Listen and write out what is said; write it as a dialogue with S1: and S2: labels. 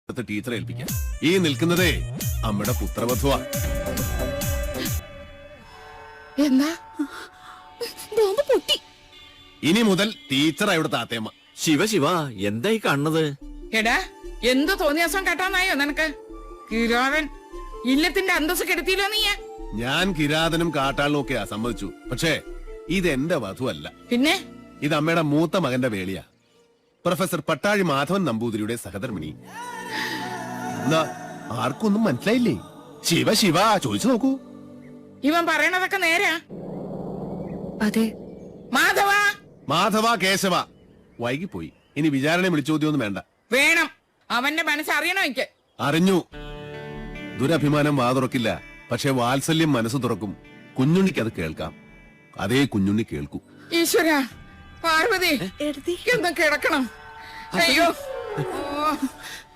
S1: ടീച്ചറെ ഏൽപ്പിക്കാം. ഈ നിൽക്കുന്നതേ അമ്മയുടെ പുത്രവധുവാ.
S2: എന്താ ബോംബ് പൊട്ടി?
S1: ഇനി മുതൽ ടീച്ചർ ഇവിടെ താത്തേമ്മ.
S3: ശിവ ശിവ എന്തായി കാണുന്നത്?
S2: എടാ എന്ത് തോന്നിയാസം കേട്ടാന്നായോ നിനക്ക്? കിരാവൻ ഇല്ലത്തിന്റെ അന്തസ് കെടുത്തിയില്ലോ നീ.
S1: ഞാൻ കിരാതനും കാട്ടാളിനും ഒക്കെയാ സമ്മതിച്ചു. പക്ഷേ ഇതെന്റെ വധുവല്ല.
S2: പിന്നെ
S1: ഇത് അമ്മയുടെ മൂത്ത മകന്റെ വേളിയാ. പ്രൊഫസർ പട്ടാഴി മാധവൻ നമ്പൂതിരിയുടെ സഹധർമ്മിണി. എന്നാ ആർക്കൊന്നും മനസ്സിലായില്ലേ? ശിവ ശിവ ചോദിച്ചു നോക്കൂ.
S2: ഇവൻ പറയണതൊക്കെ നേരാ?
S4: അതെ.
S2: മാധവ
S1: മാധവ കേശവ. വൈകിപ്പോയി. ഇനി വിചാരണ വിളിച്ചോദ്യമൊന്നും വേണ്ട.
S2: വേണം. അവന്റെ മനസ്സറിയണോ എനിക്ക്?
S1: അറിഞ്ഞു. ദുരഭിമാനം വാതുറക്കില്ല. പക്ഷെ വാത്സല്യം മനസ്സ് തുറക്കും. കുഞ്ഞുണ്ണിക്ക് അത് കേൾക്കാം. അതേ കുഞ്ഞുണ്ണി കേൾക്കൂ.
S2: ഈശ്വര, പാർവതി എന്തും കിടക്കണം. അയ്യോ